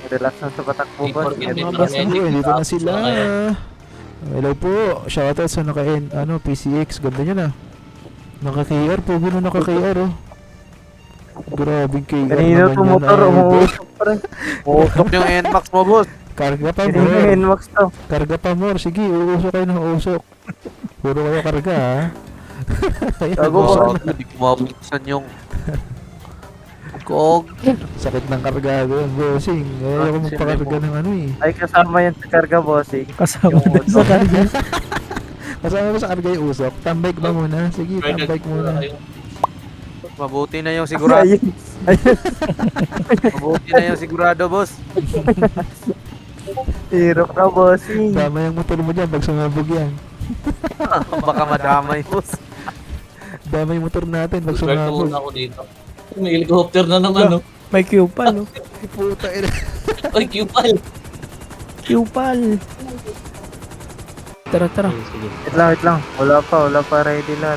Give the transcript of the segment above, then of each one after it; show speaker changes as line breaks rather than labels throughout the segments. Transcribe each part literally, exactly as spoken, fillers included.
Relax lang sa patakbo boss.
Ay,
Mga
mga
boss
medic,
ko, dito na
tapos
sila.
na kayo.
Hello po. Shoutout sa naka ano, P C X. Ganda nyo na. Naka-K R po. Gano'n naka-K R oh. Grabing K R
Kanino
naman
to
yan.
motor,
idol.
umuusok pa rin.
Uusok yung N MAX mo, boss.
Karga pa
Kanino
more.
yung Nmax to?
Karga pa more. Sige, uusok kayo ng usok. Puro kayo karga ha. Ayan,
Gago,
boss.
boss.
Hindi ko mabuksan yung... Kog.
Sakit ng kargado yan, bossing. Ayaw ko magpakarga ng ano eh.
Ay, kasama yung karga bossing.
Kasama din sa karga.
Kasama mo sa karga yung usok. Tambike ba muna? Sige,
Right,
tambike muna.
kayo.
Mabuti na yung sigurado.
Ayun.
Mabuti na yung sigurado, boss.
Hirap ka bossing.
Tama yung motor mo dyan pag sumabog yan.
Baka madamay, boss.
Dama yung motor natin pag
Swerte
sumabog.
muna ako dito. May helicopter na naman, no?
May Q-Pal, no?
Ay, puta ina.
Ay, Q-Pal!
Q-Pal. Tara, tara.
Sige, sige.
Wait lang, wait lang. Wala pa, wala pa ready lahat.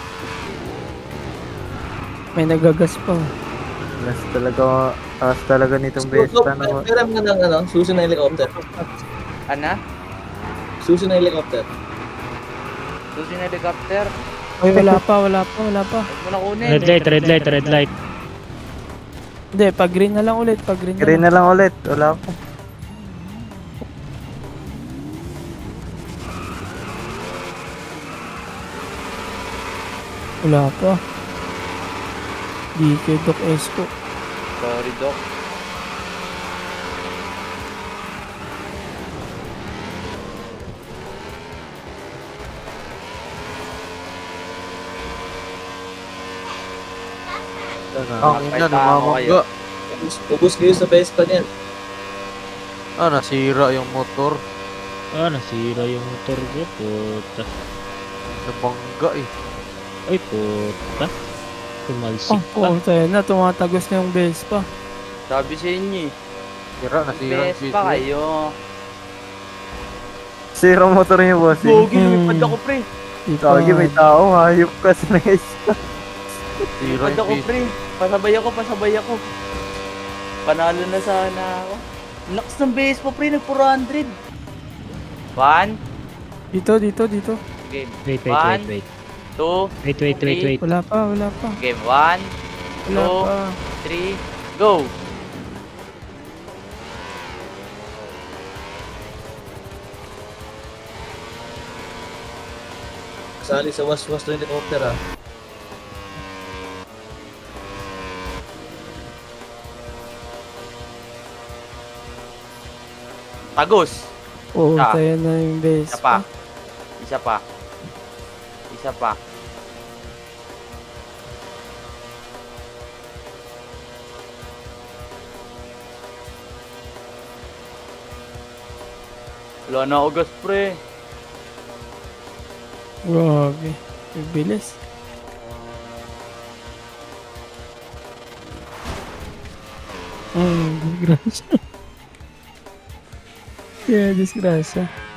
May nagagas pa.
Taas talaga, taas talaga nitong besta na.
Pero mo ng ano, susi na helicopter.
Ana?
Susi na helicopter.
Susi na helicopter.
Ay, wala pa, wala pa, wala pa.
Huwag mo na kunin.
Red light, red light, red light.
Hindi, pag green na lang ulit, pag green na
Green
lang.
na lang ulit, wala pa.
Wala pa. D K Doc Esco.
Sorry, Doc.
Ang ina, namamangga.
Ubus kayo sa Vespa niyan.
Ah, nasira yung motor.
Ah, nasira yung motor ko. Puta.
Nabangga eh.
Ay, puta. Tumalsik
Oh,
pa.
oh, tayo na, tumatagos na yung Vespa.
Sabi sa inyo eh.
Sira, nasira yung
Best
video.
pa kayo.
Zero motor niyo bossing.
Bogi,
Hmm.
lumipad ako pre.
Tawagi, may tao, hayop ka sa guys.
Sira
Lumipad
yung
ako
video.
pre. Pasabay ako, pasabay ako. Panalo na sana ako. Lakas ng base pa pre, nag four hundred. One.
Dito, dito, dito.
Game.
Wait, wait,
One.
wait, wait.
Two.
Wait, wait, wait, wait.
Wala pa, wala pa.
Game. One.
Wala
Two.
pa.
Three. Go.
Sali sa was-was ng helicopter, ah.
Tagos.
Oo,
Ah.
tayo na yung
Isa pa.
Vespa.
Isa pa. Isa pa. Wala na ako gas pre.
Grabe. Ang bilis. Ay, disgrasya. Kaya disgrasya.